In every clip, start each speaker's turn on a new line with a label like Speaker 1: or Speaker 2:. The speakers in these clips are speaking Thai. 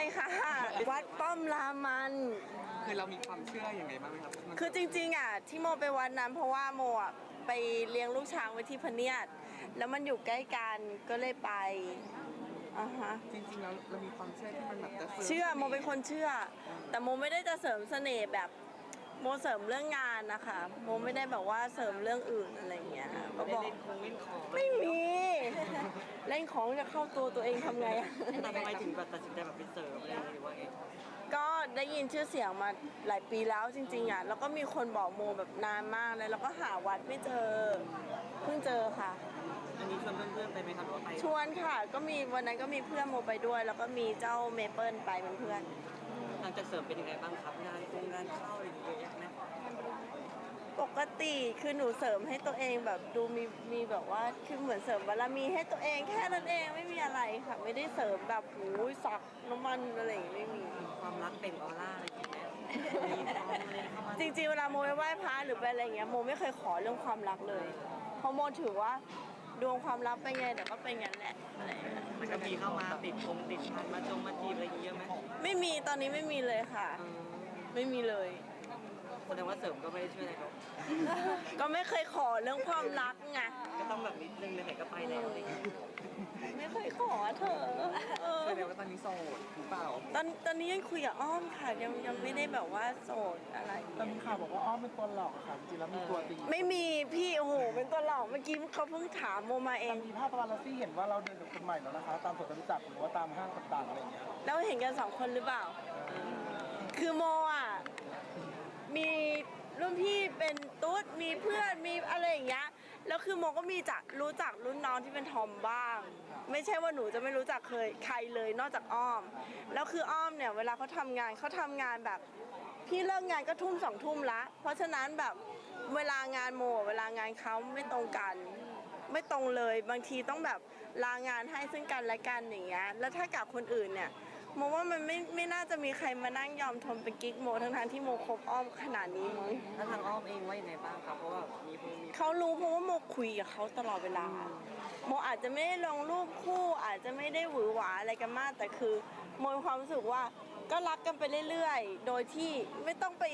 Speaker 1: ค่ะวัดป้อมรามัน
Speaker 2: คือเรามีความเชื่ออย่างไงบ้างไหมครับ
Speaker 1: คือจริงๆอ่ะที่โมไปวัดนั้นเพราะว่าโมอ่ะไปเลี้ยงลูกช้างไว้ที่พะเนียดแล้วมันอยู่ใกล้กันก็เลยไปอ่าฮะ
Speaker 2: จริงๆแล้วเรามีความเชื่อที่มันแบบจะเสริม
Speaker 1: เชื่อโมเป็นคนเชื่อ แต่โมไม่ได้จะเสริมเสน่ห์แบบโมเสริมเรื่องงานนะคะโมไม่ได้แบบว่าเสริมเรื่องอื่นอะไรอย่างเงี้ยก็บอก
Speaker 3: เล่นของ
Speaker 1: ไม่มีเล่นของจะเข้าตัวเองทำไงอะ
Speaker 3: แต่ทำไมถึงแบบตัดสินใจแบบไปเสริมอะไรอย่างเงี้ยหรือว่าไง
Speaker 1: ก็ได้ยินชื่อเสียงมาหลายปีแล้วจริงๆอ่ะแล้วก็มีคนบอกโมแบบนานมากเลยแล้วก็หาวัดไม่เจอเพิ่งเจอค่ะ
Speaker 3: อันนี้ชวนเพื่อนๆไปไหมครับหรือว่าไป
Speaker 1: ชวนค่ะก็มีวันนั้นก็มีเพื่อนโมไปด้วย แล้วก็มีเจ้าเมเปิลไปเป็นเพื่อน
Speaker 3: หลังจากเสริมเป็นยังไงบ้างครับงานเข้าอะไรอย่างเงี้ยเยอะแยะไหม
Speaker 1: ปกติคือหนูเสริมให้ตัวเองแบบดูมีแบบว่าคือเหมือนเสริมบารมีให้ตัวเองแค่นั้นเองไม่มีอะไรค่ะ ไม่ได้เสริมแบบหูยสักน้ำมันอะไรอย่างงี้ไม่มี
Speaker 3: ความรักเปล่งออร่าอะไรอย่างเงี้ยมีความอะไรเข้ามา
Speaker 1: จริงๆเวลาโมไปไหว้พระหรือไปอะไรอย่างเงี้ยโมไม่เคยขอเรื่องความรักเลยเพราะโมถือว่าดวงความรักเป็นไงเดี๋ยวก็เป็นงั้นแหละอะไรอย่างเงี้ย
Speaker 3: มันก็มีเข้ามาติดพันมาจีบอะไรอย่างเงี้ยเยอะไหม
Speaker 1: ไม่มีตอนนี้ไม่มีเลยค่ะ ไม่มีเลย
Speaker 3: แสดงว่าเสริมก็ไม่ได้ช่วยอะไรเขา
Speaker 1: ก็ไม่เคยขอเรื่องความรักไง
Speaker 3: ก็ต้องแบบนิดนึงไหนๆก็ไปแล้วอะไรอย่างเงี้ย
Speaker 1: ไม่เคยขอเธอ
Speaker 2: แสดงว่าตอนนี้โสดหรือเปล่า
Speaker 1: ตอนนี้ยังคุยกับอ้อมค่ะยังไม่ได้แบบว่าโสดอะไร
Speaker 4: แต่มีข่าวบอกว่าอ้อมเป็นตัวหลอกค่ะจริงๆแล้วมีตัวจริง
Speaker 1: ไม่มีพี่โอ้โหเป็นตัวหลอกเมื่อกี้เขาเพิ่งถามโมมาเอ
Speaker 4: แต่
Speaker 1: ง
Speaker 4: มีภาพปาปารัสซี่เห็นว่าเราเดินกับคนใหม่แล้วนะคะ ตามสวนจตุจักรหรือว่าตามห้างต่างๆอะไรอย่างเงี้ย
Speaker 1: แล้วเห็นกันสองคนหรือเปล่า คือโมอ่ะมีรุ่นพี่เป็นตุ๊ดมีเพื่อนมีอะไรอย่างเงี้ยแล้วคือโมก็มีรู้จักรุ่นน้องที่เป็นทอมบ้าง ไม่ใช่ว่าหนูจะไม่รู้จักใครเลยนอกจากอ้อมแล้วคืออ้อมเนี่ยเวลาเขาทำงานแบบพี่เลิกงานก็ทุ่ม2 ทุ่มละเพราะฉะนั้นแบบเวลางานโมเวลางานเขาไม่ตรงกัน ไม่ตรงเลยบางทีต้องแบบลางานให้ซึ่งกันและกันอย่างเงี้ยแล้วถ้ากับคนอื่นเนี่ยโมว่ามันไม่น่าจะมีใครมานั่งยอมทนเป็นกิ๊กโมทั้งที่โมคบอ้อมขนาดนี้มั้ง
Speaker 3: แล้วทางอ้อมเองว่ายังไงบ้างครับเพราะว่ามี
Speaker 1: เขารู้เพราะว่าโมคุยกับเขาตลอดเวลาโมอาจจะไม่ได้ลงรูปคู่อาจจะไม่ได้หวือหวาอะไรกันมากแต่คือโมมีความรู้สึกว่าก็รักกันไปเรื่อยๆโดยที่ไม่ต้องไป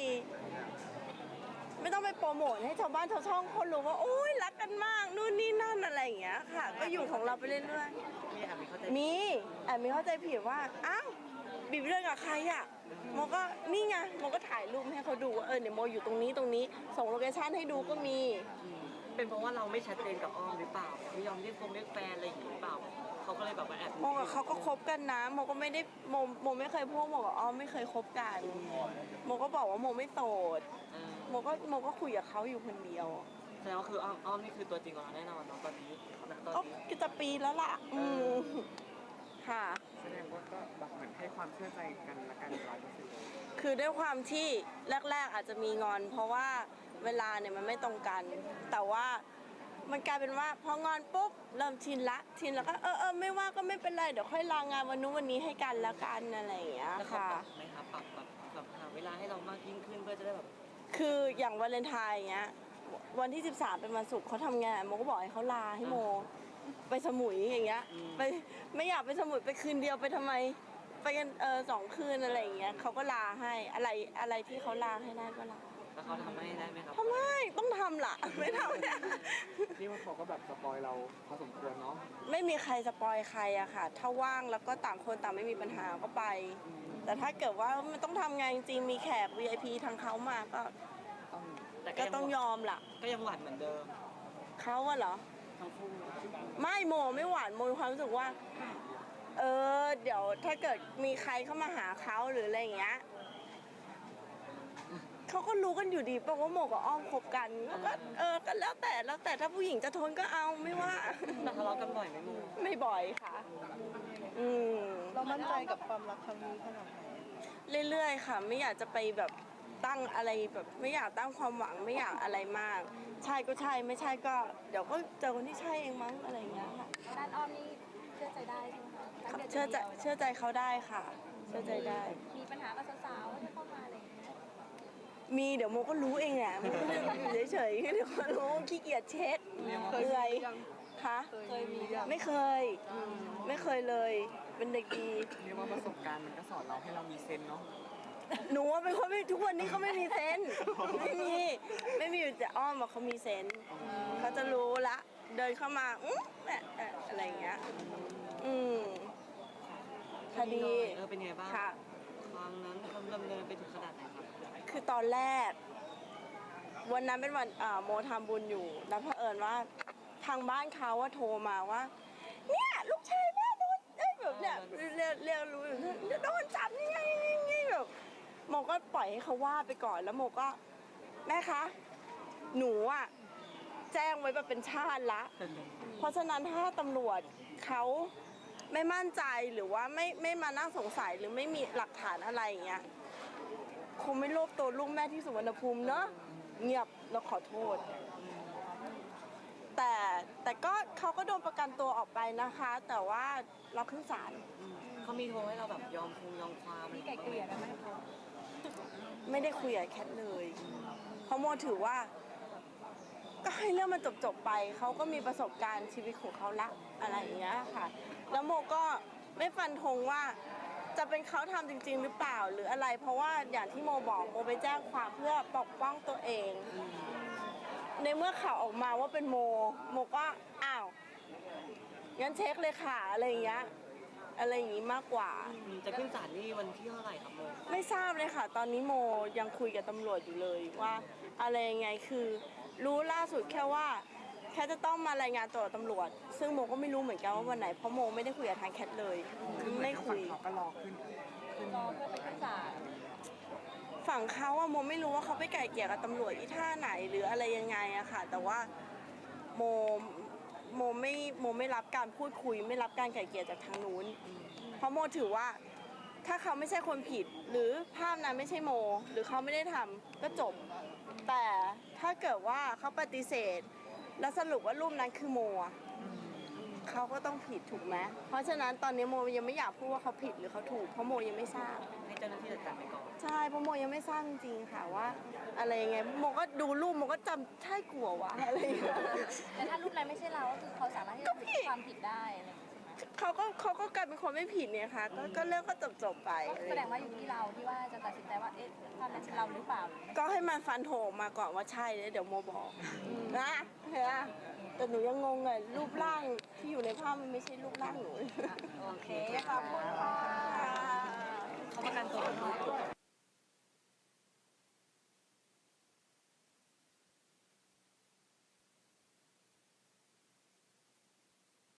Speaker 1: โปรโมทให้ชาวบ้านชาวช่องเขารู้ว่าโอ้ยรักกันมากนู่นนี่นั่นอะไรอย่างเงี้ยค่ะ ก็อยู่ของเราไปเรื่อยๆ
Speaker 3: มีแอบมีเข้าใจ
Speaker 1: มีเข้าใจผิดว่าอ้าวบีบเรื่องกับใครอ่ะโมก็นี่ไงโมก็ถ่ายรูปให้เขาดูว่าเนี่ยโมอยู่ตรงนี้ส่งโลเคชั่นให้ดูก็มี
Speaker 3: เป็นเพราะว่าเราไม่ชัดเจนกับอ้อมหรือเปล่าไม่ยอมเรียกแฟนอะไรอย่างงี้หรือเปล่าเขาก็เลยแบบว่าแอบ
Speaker 1: โมกับเขาก็คบกันนะโมก็ไม่ได้โมไม่เคยพูดโมกับอ้อมไม่เคยคบกันโมก็บอกว่าโมไม่โสดโมก็คุยกับเขาอยู่คนเดียว
Speaker 3: แสดงว่าคืออ้อมนี่คือตัวจริงของเราแน่นอนเนาะตอนนี้ตอน
Speaker 1: ก็
Speaker 3: นี้
Speaker 1: จะปีแล้วล่ะค่ะ
Speaker 2: แสดงว่าก็แบบเหมือนให้ความเชื่อใจกันละกัน100%
Speaker 1: คือด้วยความที่แรกๆอาจจะมีงอน เพราะว่าเวลาเนี่ยมันไม่ตรงกัน แต่ว่ามันกลายเป็นว่าพองอนปุ๊บเริ่มชินแล้วก็ไม่ว่าก็ไม่เป็นไรเดี๋ยวค่อยลางานวันนู้นวันนี้ให้กันละกันอะไรอย่างเงี้ย
Speaker 3: แล้วเขา
Speaker 1: ค่ะ
Speaker 3: ปรับไหมครับปรับแบบหาเวลาให้เรามากยิ่งขึ้นเพื่อจะได้แบบ
Speaker 1: คืออย่างวาเลนไทน์อย่างเงี้ยวันที่13เป็นวันศุกร์เขาทำงานโมก็บอกให้เขาลาให้โมไปสมุยอย่างเงี้ยไปไม่อยากไปสมุยไปคืนเดียวไปทำไมไปกัน2 คืนอะไรอย่างเงี้ยเขาก็ลาให้อะไรที่เขาลาให้ได้ก็ลา
Speaker 3: แล้วเขาทำให้ได้ไหมครับ
Speaker 1: ทำไมต้องทำล่ะไม่ทำ
Speaker 2: นี่ว่าเขาก็แบบสปอยเราพอสมควรเนาะ
Speaker 1: ไม่มีใครสปอยใครอะค่ะ ถ้าว่างแล้วก็ต่างคนต่างไม่มีปัญหาก็ไป แต่ถ้าเกิดว่ามันต้องทำงานจริงๆมีแขก VIP ทางเขามาก็
Speaker 3: แต่
Speaker 1: ก็ต้องยอมล่ะ
Speaker 3: ก็ยังหวานเหมือนเดิม
Speaker 1: เขาอะเหรอ
Speaker 3: ทั้งคู่
Speaker 1: ไม่โมไม่หวานโมมีความรู้สึกว่า เดี๋ยวถ้าเกิดมีใครเข้ามาหาเขาหรืออะไรอย่างเงี้ยเขาก็รู้กันอยู่ดีป่ะว่าโมกับอ้อมคบกันก็ก็แล้วแต่ถ้าผู้หญิงจะทนก็เอาไม่ว่า
Speaker 3: แต่ทะเลาะกันบ่อยไหมโม
Speaker 1: ไม่บ่อยค่ะ
Speaker 4: เรามั่นใจกับความรักครั้งนี้ขนาดไหน
Speaker 1: เรื่อยๆค่ะ ไม่อยากจะไปแบบตั้งอะไรแบบไม่อยากตั้งความหวังไม่อยากอะไรมาก ใช่ก็ใช่ไม่ใช่ก็ เดี๋ยวก็เจอคนที่ใช่เองมั้งอะไรอย่างเงี้ยค่ะ
Speaker 5: ด้านอ้อมนี่เชื่อใจได้ใช่ไหมคะ
Speaker 1: เชื่อใจเขาได้ค่ะ เชื่อใจได้
Speaker 5: มีปัญหากับสาวๆที่เข้ามาอะไรอย่างเงี้ย
Speaker 1: มีเดี๋ยวโมก็รู้เองแหละโมก็อยู่เฉยๆเดี๋ยวก็รู้ขี้เกียจเช็คเหนื่อยฮคะ
Speaker 4: เคยมีอย่าง
Speaker 1: ไม่เคย ไม่เคยเลย เป็นเด็กดี
Speaker 2: เรียกว่าประสบการณ์มันก็สอนเราให้เรามีเซนส์เนาะ
Speaker 1: หนูว่าเป็นคนไม่ทุกวันนี้เขาไม่มีเซนส์ไม่มีอยู่แต่อ้อมบอกเขามีเซนส์เขาจะรู้ละ เดินเข้ามาอะไรอย่างเงี้ย คดี
Speaker 3: เป็นไงบ้าง
Speaker 1: ค่ะ
Speaker 3: ครั้งนั้นเขาดำเนินไปถึงขนาดไหนครับ
Speaker 1: คือตอนแรก วันนั้นเป็นวันโมทำบุญอยู่ แล้วเผอิญว่าทางบ้านเขาว่าโทรมาว่า เนี่ยลูกชายแม่โดนแบบเนี่ยเรียกรู้อยู่โดนจับนี่ไงแบบโมก็ปล่อยให้เขาว่าไปก่อนแล้วโมก็แม่คะหนูอ่ะแจ้งไว้แบบเป็นชาติละ เพราะฉะนั้นถ้าตำรวจเขาไม่มั่นใจหรือว่าไม่มานั่งสงสัยหรือไม่มีหลักฐานอะไรอย่างเงี้ยคงไม่รวบตัวลูกแม่ที่สุวรรณภูมิเนอะเงียบแล้วขอโทษ แต่ก็เขาก็โดนประกันตัวออกไปนะคะ แต่ว่าเราขึ้นศาล
Speaker 3: เขามีโทรให้เราแบบยอมความ
Speaker 5: มีไก่เกลี่ยกันไหมคะ
Speaker 1: ไม่ได้คุยกับแคทเลย เพราะโมถือว่า ก็ให้เรื่องมันจบไปเขาก็มีประสบการณ์ชีวิตของเขาละอะไรอย่างเงี้ยค่ะ แล้วโมก็ไม่ฟันธงว่าจะเป็นเขาทำจริง ๆ หรือเปล่าหรืออะไร เพราะว่าอย่างที่โมบอกโมไปแจ้งความเพื่อปกป้องตัวเอง ในเมื่อข่าวออกมาว่าเป็นโมก็อ้าวงั้นเช็คเลยค่ะอะไรอย่างเงี้ยอะไรอย่างงี้มากกว่า
Speaker 3: จะขึ้นศาลนี่วันที่เท่าไหร่ครับโม
Speaker 1: ไม่ทราบเลยค่ะ ตอนนี้โมยังคุยกับตำรวจอยู่เลยว่าอะไรยังไงคือรู้ล่าสุดแค่ว่าแค่จะต้องมารายงานตัวกับตำรวจ ซึ่งโมก็ไม่รู้เหมือนกันว่าวันไหนเพราะโมไม่ได้คุยกับทางแคทเลย
Speaker 2: คือเหมือน
Speaker 1: ไม่
Speaker 2: ทาง
Speaker 1: คุ
Speaker 2: ฝั่ง
Speaker 1: ย
Speaker 2: เขาก็รอขึ้น
Speaker 5: รอเพื่อไปขึ้นศาล
Speaker 1: ฝั่งเขาอะโมไม่รู้ว่าเขาไปไกล่เกลี่ยกับตำรวจที่ท่าไหนหรืออะไรยังไงอะค่ะ แต่ว่าโมไม่รับการพูดคุย ไม่รับการไกล่เกลี่ยจากทางนู้น เพราะโมถือว่าถ้าเขาไม่ใช่คนผิด หรือภาพนั้นไม่ใช่โม หรือเขาไม่ได้ทำก็จบ แต่ถ้าเกิดว่าเขาปฏิเสธ แล้วสรุปว่ารูปนั้นคือโมอะเขาก็ต้องผิดถูกไหมเพราะฉะนั้นตอนนี้โมยังไม่อยากพูดว่าเขาผิดหรือเขาถูกเพราะโมยังไม่ทราบ
Speaker 3: ให้เจ้าหน้าที่จัดการไปก่อน
Speaker 1: ใช่เพราะโมยังไม่ทราบจริงๆค่ะว่า อะไรยังไงโมก็ดูรูปโมก็จำใช่กลัววะอะไรอย่างเงี้ย
Speaker 5: แต่ถ้ารูปนั้นไม่ใช่เราก็คือเขาสามารถที่จะถือความผิดได้อะไรอย่างเงี้ยใช่ไหม
Speaker 1: เขาก็กลายเป็นคนไม่ผิดเนี่ยค่ะก็เรื่องก็จบไป
Speaker 5: ก็แสดงว่าอยู่ที่เราที่ว่าจะตัดสินใจว่าเอ๊ะภาพนั้นใช่เราหรือเปล่าหรือไม่
Speaker 1: ก็ให้มันฟันโถงมาก่อนว่าใช่แล้วเดี๋ยวโมบอกนะเห็นไหมแต่หนูยังงงเลยรูปร่างที่อยู่ในภาพมันไม่ใช่รูปร่างหนู
Speaker 5: โอเคขอบคุณค่ะ
Speaker 3: เขาประกันตัว